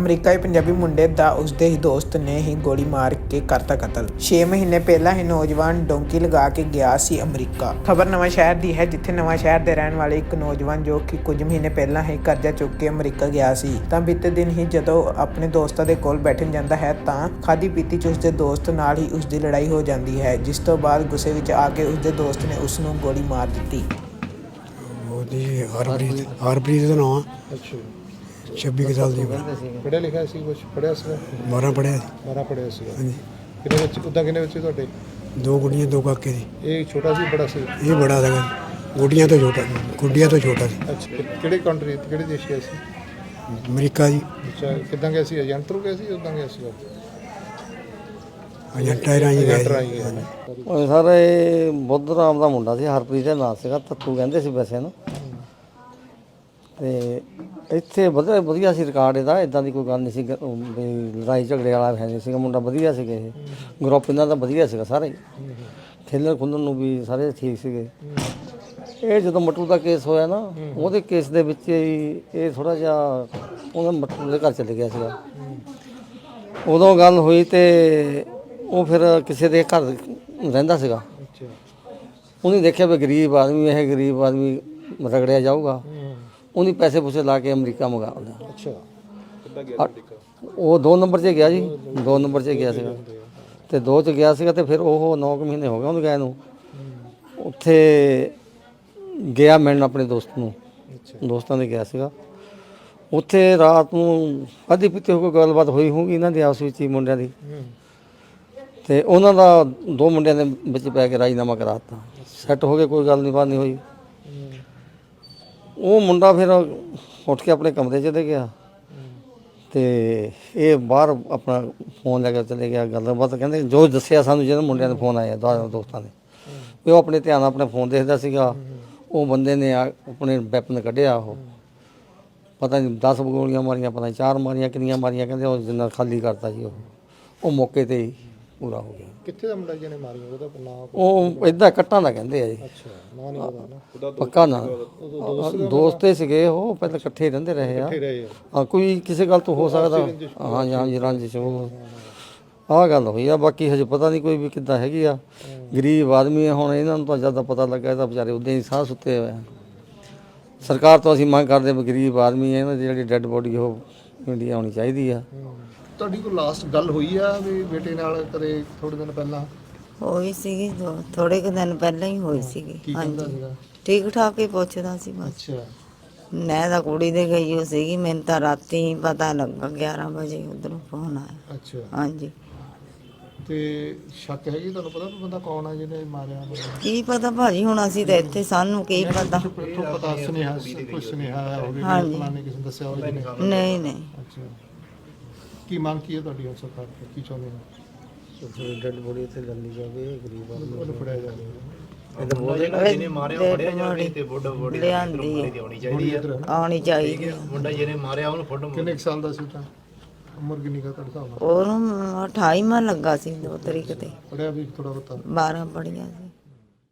ਅਮਰੀਕਾਈ ਪੰਜਾਬੀ ਮੁੰਡੇ ਦਾ ਉਸਦੇ ਹੀ ਦੋਸਤ ਨੇ ਹੀ ਗੋਲੀ ਮਾਰ ਕੇ ਕਰਤਾ ਕਤਲ। 6 ਮਹੀਨੇ ਪਹਿਲਾਂ ਹੀ ਨੌਜਵਾਨ ਡੋਂਕੀ ਲਗਾ ਕੇ ਗਿਆ ਸੀ ਅਮਰੀਕਾ। ਖਬਰ ਨਵਾਂ ਸ਼ਹਿਰ ਦੀ ਹੈ, ਜਿੱਥੇ ਨਵਾਂ ਸ਼ਹਿਰ ਦੇ ਰਹਿਣ ਵਾਲੇ ਇੱਕ ਨੌਜਵਾਨ ਜੋ ਕਿ ਕੁਝ ਮਹੀਨੇ ਪਹਿਲਾਂ ਹੀ ਕਰਜ਼ਾ ਚੁੱਕ ਕੇ ਅਮਰੀਕਾ ਗਿਆ ਸੀ, ਤਾਂ ਬੀਤੇ ਦਿਨ ਹੀ ਜਦੋਂ ਆਪਣੇ ਦੋਸਤਾਂ ਦੇ ਕੋਲ ਬੈਠਣ ਜਾਂਦਾ ਹੈ ਤਾਂ ਖਾਦੀ ਪੀਤੀ 'ਚ ਉਸਦੇ ਦੋਸਤ ਨਾਲ ਹੀ ਉਸਦੀ ਲੜਾਈ ਹੋ ਜਾਂਦੀ ਹੈ, ਜਿਸ ਤੋਂ ਬਾਅਦ ਗੁੱਸੇ ਵਿੱਚ ਆ ਕੇ ਉਸਦੇ ਦੋਸਤ ਨੇ ਉਸ ਨੂੰ ਗੋਲੀ ਮਾਰ ਦਿੱਤੀ। ਹਰਪ੍ਰੀਤ ਦਾ ਨਾਮ। ਅੱਛਾ, 26 ਸਾਲ ਦੀ ਉਮਰ। ਪੜ੍ਹਿਆ ਲਿਖਿਆ ਸੀ, ਕੁਛ ਪੜ੍ਹਿਆ ਸੀ? 12 ਪੜ੍ਹਿਆ ਸੀ। 12 ਪੜ੍ਹਿਆ ਸੀ। ਹਾਂਜੀ। ਕਿੰਨੇ ਬੱਚੇ ਉੱਦਾਂ, ਕਿੰਨੇ ਬੱਚੇ ਤੁਹਾਡੇ? 2 ਗੁੱਡੀਆਂ 2 ਕਾਕੇ ਸੀ। ਇਹ ਛੋਟਾ ਸੀ ਬੜਾ ਸੀ? ਇਹ ਬੜਾ ਸੀਗਾ, ਗੁੱਡੀਆਂ ਤੋਂ ਛੋਟਾ ਸੀ। ਅੱਛਾ, ਕਿਹੜੇ ਕੰਟਰੀ, ਕਿਹੜੇ ਦੇਸ਼ ਗਿਆ ਸੀ? ਅਮਰੀਕਾ ਜੀ। ਅੱਛਾ, ਕਿੱਦਾਂ ਗਿਆ ਸੀ? ਏਜੰਟ ਥਰੂ ਗਿਆ ਸੀ, ਉੱਦਾਂ ਗਿਆ ਸੀ? ਏਜੰਟਾਂ ਰਾਹੀਂ ਗਿਆ ਸੀ। ਸਰ ਇਹ ਬੁੱਧ ਰਾਮ ਦਾ ਮੁੰਡਾ ਸੀ, ਹਰਪ੍ਰੀਤ ਦਾ ਨਾਂ ਸੀਗਾ, ਤੱਤੂ ਕਹਿੰਦੇ ਸੀ ਵੈਸੇ ਨੂੰ। ਤੇ ਇੱਥੇ ਵਧੀਆ ਸੀ ਰਿਕਾਰਡ ਇਹਦਾ, ਇਦਾਂ ਦੀ ਕੋਈ ਗੱਲ ਨਹੀਂ ਸੀ ਵੀ ਲੜਾਈ ਝਗੜੇ ਵਾਲਾ ਹੈ ਨਹੀਂ ਸੀਗਾ। ਮੁੰਡਾ ਵਧੀਆ ਸੀਗੇ, ਇਹ ਗਰੁੱਪ ਇਹਨਾਂ ਦਾ ਵਧੀਆ ਸੀਗਾ, ਸਾਰੇ ਖੇਲਣ ਖੁੱਲਣ ਨੂੰ ਵੀ ਸਾਰੇ ਠੀਕ ਸੀਗੇ। ਇਹ ਜਦੋਂ ਮੱਟੂ ਦਾ ਕੇਸ ਹੋਇਆ ਨਾ, ਉਹਦੇ ਕੇਸ ਦੇ ਵਿੱਚ ਹੀ ਇਹ ਥੋੜ੍ਹਾ ਜਿਹਾ ਉਹਨਾਂ ਮੱਟੂ ਦੇ ਘਰ ਚਲੇ ਗਿਆ ਸੀਗਾ। ਉਦੋਂ ਗੱਲ ਹੋਈ ਤੇ ਉਹ ਫਿਰ ਕਿਸੇ ਦੇ ਘਰ ਰਹਿੰਦਾ ਸੀਗਾ। ਉਹਨੇ ਦੇਖਿਆ ਵੀ ਗਰੀਬ ਆਦਮੀ ਰਗੜਿਆ ਜਾਊਗਾ, ਉਹਨੇ ਪੈਸੇ ਪੂਸੇ ਲਾ ਕੇ ਅਮਰੀਕਾ ਮੰਗਾ ਲਿਆ। ਅੱਛਾ, ਉਹ 2 ਨੰਬਰ 'ਚ ਗਿਆ ਜੀ, 2 ਨੰਬਰ 'ਚ ਗਿਆ ਸੀਗਾ ਤੇ 2 'ਚ ਗਿਆ ਸੀਗਾ ਤੇ ਫਿਰ ਉਹ 9 ਮਹੀਨੇ ਹੋ ਗਏ ਉਹਨੂੰ ਗਏ ਨੂੰ। ਉੱਥੇ ਗਿਆ ਮਿਲਣ ਆਪਣੇ ਦੋਸਤ ਨੂੰ, ਦੋਸਤਾਂ ਦੇ ਗਿਆ ਸੀਗਾ। ਉੱਥੇ ਰਾਤ ਨੂੰ ਅੱਧੀ ਪੀਤੀ ਹੋ ਕੇ ਗੱਲਬਾਤ ਹੋਈ ਹੋਊਗੀ ਇਹਨਾਂ ਦੀ ਆਪਸ ਵਿੱਚ ਹੀ ਮੁੰਡਿਆਂ ਦੀ, ਤੇ ਉਹਨਾਂ ਦਾ 2 ਮੁੰਡਿਆਂ ਦੇ ਵਿੱਚ ਪੈ ਕੇ ਰਾਜੀਨਾਮਾ ਕਰਾ ਦਿੱਤਾ। ਸੈੱਟ ਹੋ ਗਏ, ਕੋਈ ਗੱਲ ਨਹੀਂ ਬਾਤ ਨਹੀਂ ਹੋਈ। ਉਹ ਮੁੰਡਾ ਫਿਰ ਉੱਠ ਕੇ ਆਪਣੇ ਕਮਰੇ 'ਚ ਚਲੇ ਗਿਆ ਤੇ ਇਹ ਬਾਹਰ ਆਪਣਾ ਫੋਨ ਲੈ ਕੇ ਚਲੇ ਗਿਆ। ਗੱਲਬਾਤ ਕਹਿੰਦੇ ਜੋ ਦੱਸਿਆ ਸਾਨੂੰ, ਜਦੋਂ ਮੁੰਡਿਆਂ ਦੇ ਫੋਨ ਆਏ ਦੋਸਤਾਂ ਦੇ, ਵੀ ਉਹ ਆਪਣੇ ਧਿਆਨ ਨਾਲ ਆਪਣੇ ਫੋਨ ਦੇਖਦਾ ਸੀਗਾ। ਉਹ ਬੰਦੇ ਨੇ ਆਪਣੇ ਵੈਪਨ ਕੱਢਿਆ, ਉਹ ਪਤਾ ਨਹੀਂ 10 ਗੋਲੀਆਂ ਮਾਰੀਆਂ, ਪਤਾ ਨਹੀਂ 4 ਮਾਰੀਆਂ, ਕਿੰਨੀਆਂ ਮਾਰੀਆਂ, ਕਹਿੰਦੇ ਉਹ ਜਿੰਨਾ ਖਾਲੀ ਕਰਤਾ ਜੀ। ਉਹ ਮੌਕੇ 'ਤੇ ਹੀ ਪੂਰਾ ਹੋ ਗਿਆ। ਕਿੱਥੇ ਦਾ ਮੁੰਡਾ ਜਿਹਨੇ ਮਾਰੀ, ਉਹਦਾ ਨਾਮ? ਉਹ ਇੱਦਾਂ ਕੱਟਾਂ ਦਾ ਕਹਿੰਦੇ ਆ ਜੀ। ਅੱਛਾ, ਨਾਂ ਨਹੀਂ ਪਤਾ ਨਾ ਪੱਕਾ ਨਾ। ਦੋਸਤੇ ਸੀਗੇ ਉਹ, ਪਹਿਲਾਂ ਇਕੱਠੇ ਰਹਿੰਦੇ ਰਹੇ ਆ। ਹਾਂ, ਕੋਈ ਕਿਸੇ ਗੱਲ ਤੋਂ ਹੋ ਸਕਦਾ। ਹਾਂਜੀ, ਰੰਜਿਸ਼ ਉਹ ਆਹ ਗੱਲ ਹੋਈ ਆ। ਬਾਕੀ ਹਜੇ ਪਤਾ ਨਹੀਂ ਕੋਈ ਵੀ ਕਿੱਦਾਂ ਹੈਗੀ ਆ। ਗਰੀਬ ਆਦਮੀ ਆ, ਹੁਣ ਇਹਨਾਂ ਨੂੰ ਤਾਂ ਜ਼ਿਆਦਾ ਪਤਾ ਲੱਗਾ, ਇਹ ਤਾਂ ਵਿਚਾਰੇ ਉੱਦਾਂ ਹੀ ਸਾਹ ਸੁੱਤੇ ਹੋਏ ਆ। ਸਰਕਾਰ ਤੋਂ ਅਸੀਂ ਮੰਗ ਕਰਦੇ ਵੀ ਗਰੀਬ ਆਦਮੀ ਹੈ, ਇਹਨਾਂ ਦੀ ਜਿਹੜੀ ਡੈੱਡ ਬੋਡੀ ਉਹ ਇੰਡੀਆ ਆਉਣੀ ਚਾਹੀਦੀ ਆ। ਤੁਹਾਡੀ ਕੋਈ ਲਾਸਟ ਗੱਲ ਹੋਈ ਆ ਵੀ ਬੇਟੇ ਨਾਲ ਕਦੇ ਥੋੜੇ ਦਿਨ ਪਹਿਲਾਂ? ਹੋਈ ਸੀਗੀ, ਥੋੜੇ ਕੁ ਦਿਨ ਪਹਿਲਾਂ ਹੀ ਹੋਈ ਸੀਗੀ। ਹਾਂਜੀ, ਠੀਕ ਠਾਕ ਹੀ ਪੁੱਛਦਾ ਸੀ ਬਸ। ਅੱਛਾ, ਮੈਂ ਤਾਂ ਕੁੜੀ ਦੇ ਗਈ ਹੋ ਸੀਗੀ, ਮੈਨੂੰ ਤਾਂ ਰਾਤੀ ਪਤਾ ਲੱਗਾ 11 ਵਜੇ ਉਧਰੋਂ ਫੋਨ ਆਇਆ। ਅੱਛਾ, ਹਾਂਜੀ। ਤੇ ਸ਼ੱਕ ਹੈਗੀ ਤੁਹਾਨੂੰ ਪਤਾ ਵੀ ਬੰਦਾ ਕੌਣ ਆ ਜਿਹਨੇ ਮਾਰਿਆ? ਕੀ ਪਤਾ ਭਾਜੀ, ਹੁਣ ਅਸੀਂ ਤਾਂ ਇੱਥੇ, ਸਾਨੂੰ ਕੀ ਪਤਾ। ਪਤਾ ਸੁਨੇਹਾ, ਕੋਈ ਸੁਨੇਹਾ ਹੋਵੇ ਫਲਾਣੇ ਕਿਸੇ ਨੇ ਦੱਸਿਆ ਹੋਵੇ? ਨਹੀਂ। ਅੱਛਾ, ਕੀ ਮੰਗ ਕੀ ਹੈ ਤੁਹਾਡੀ ਹੁਣ ਸਰਕਾਰ ਤੋਂ, ਕੀ ਚਾਹੁੰਦੇ ਹੋ? ਡੈੱਡ ਬੋਡੀ ਇੱਥੇ ਲੱਲੀ ਜਾਵੇ, ਗਰੀਬ ਆਦਮੀ ਉਹਨੂੰ ਫੜਿਆ ਜਾਵੇ। ਜਿਹਨੇ ਮਾਰਿਆ ਫੜਿਆ ਜਾਵੇ ਤੇ ਲਿਆਂਦੀ ਆਉਣੀ ਚਾਹੀਦੀ। ਮੁੰਡਾ ਜਿਹਨੇ ਮਾਰਿਆ ਉਹਨੂੰ ਫੋਟੋ। ਕਿੰਨੇ ਸਾਲ ਦਾ ਸੀ ਤਾਂ? ਉਮਰ ਕਿੰਨੀ ਕਾ ਤੁਹਾਡੇ ਹਿਸਾਬ ਨਾਲ? ਉਹਨੂੰ 28ਵਾਂ ਲੱਗਾ ਸੀ 2 ਤਰੀਕ ਤੇ। ਪੜਿਆ ਵੀ ਥੋੜਾ ਬਹੁਤਾ? 12 ਪੜ੍ਹੀਆਂ ਸੀ।